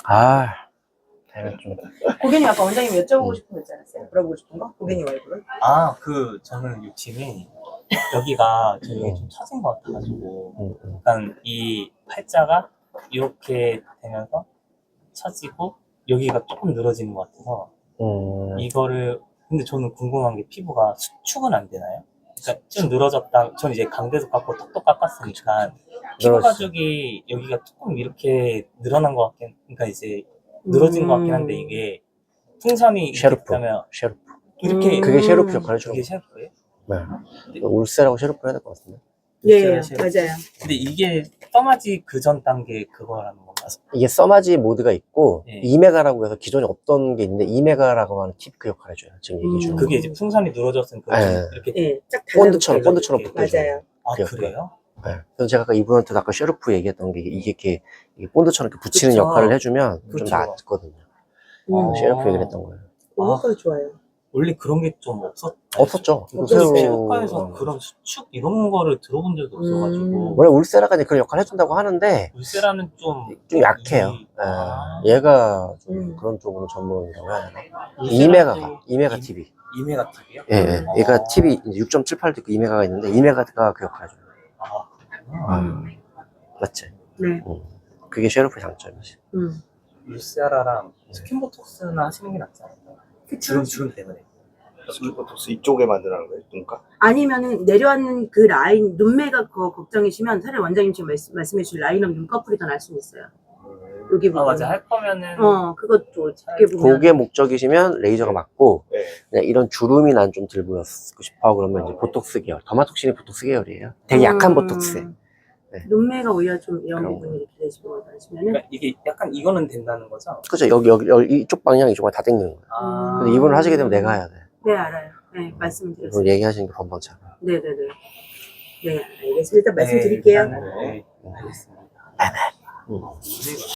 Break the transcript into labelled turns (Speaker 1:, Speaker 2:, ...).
Speaker 1: 아, 내가 좀.
Speaker 2: 고객님 아까 원장님 여쭤보고 싶은 거 있지 않았어요? 물어보고 싶은 거? 고객님 얼굴은?
Speaker 3: 저는 욕심이 여기가 되게 좀 처진 것 같아가지고, 약간 이 팔자가 이렇게 되면서 처지고, 여기가 조금 늘어지는 것 같아서, 이거를, 근데 저는 궁금한 게 피부가 수축은 안 되나요? 그러니까 좀 늘어졌다, 전 이제 강대도 깎고 턱도 깎았으니까, 피부 가죽이 여기가 조금 이렇게 늘어난 것 같긴, 그러니까 이제 늘어진 것 같긴 한데, 이게 풍선이
Speaker 1: 셰르프.
Speaker 3: 있다면
Speaker 1: 셰르프.
Speaker 3: 이렇게
Speaker 1: 그게 셰르프 역할을 해주는
Speaker 3: 그게
Speaker 1: 거.
Speaker 3: 셰르프예요?
Speaker 1: 네. 울세라고 셰르프 해야 될 것 같은데.
Speaker 2: 예,
Speaker 3: 셰르프.
Speaker 2: 맞아요.
Speaker 3: 근데 이게 써마지 그 전 단계 그거라는 건가요?
Speaker 1: 이게 써마지 모드가 있고,
Speaker 3: 네.
Speaker 1: 2메가라고 해서 기존에 없던 게 있는데, 2메가라고 하는 팁 그 역할을 해줘요. 지금 얘기해 주는 거.
Speaker 3: 그게 이제 풍선이 늘어졌으니까 좀
Speaker 1: 네.
Speaker 3: 이렇게
Speaker 2: 예, 쫙
Speaker 1: 본드처럼,
Speaker 2: 달라붙어요.
Speaker 1: 본드처럼
Speaker 3: 이렇게.
Speaker 1: 붙어줘요.
Speaker 2: 맞아요.
Speaker 3: 아
Speaker 1: 그 역할.
Speaker 3: 그래요?
Speaker 1: 네. 그래서 제가 아까 이분한테 아까 셰르프 얘기했던 게 이게 이렇게 본드처럼 이렇게 붙이는
Speaker 3: 그쵸.
Speaker 1: 역할을 해주면 좀
Speaker 3: 그쵸.
Speaker 1: 낫거든요.
Speaker 2: 음.
Speaker 1: 셰르프 얘기를 했던 거예요.
Speaker 2: 그것도 좋아요.
Speaker 3: 원래 그런 게 좀
Speaker 1: 없었죠.
Speaker 2: 없었어요.
Speaker 3: 피부과에서 그런 수축 이런 거를 들어본 적이 없어가지고
Speaker 1: 원래 울세라가 이제 그런 역할을 해준다고 하는데,
Speaker 3: 울세라는 좀
Speaker 1: 약해요. 얘가 좀 그런 쪽으로 전문이라고 해야 되나? 2메가 TV.
Speaker 3: 2메가 TV요?
Speaker 1: 예, 예. 얘가 TV 6.78도 있고 2메가가 있는데 2메가가 그 역할을 해줘요. 맞지?
Speaker 2: 네.
Speaker 1: 그게 셰르프의 장점이지.
Speaker 3: 울세라랑 스킨보톡스나 하시는 게 낫지 않을까요? 주름 때문에.
Speaker 4: 스킨보톡스 이쪽에 만드라는 거예요? 눈가?
Speaker 2: 아니면은 내려앉는 그 라인, 눈매가 걱정이시면 차라리 원장님 지금 말씀해 주신 라인업 눈꺼풀이 더 날 수는 있어요. 여기 부분.
Speaker 3: 맞아. 할 거면은
Speaker 2: 그것도 어떻게 보면
Speaker 1: 그게 목적이시면 레이저가 맞고,
Speaker 4: 네.
Speaker 1: 그냥 이런 주름이 난 좀 들 보였고 싶어 그러면 이제 보톡스 계열. 더마톡신이 보톡스 계열이에요. 되게 약한 보톡스. 네.
Speaker 2: 눈매가 오히려 좀 이런
Speaker 1: 그런
Speaker 2: 부분이 이렇게 되시고 하시면은
Speaker 3: 그러니까 이게 약간 이거는 된다는 거죠?
Speaker 1: 그죠? 여기 이쪽 방향 이쪽만 다 당기는 거예요. 근데 이분을 하시게 되면 내가 해야 돼.
Speaker 2: 네, 알아요. 네, 말씀드렸어요.
Speaker 1: 이분 얘기하시는 게 번번치 않아.
Speaker 2: 네네네. 네, 알겠습니다. 일단 말씀드릴게요.
Speaker 3: 네, 알겠습니다.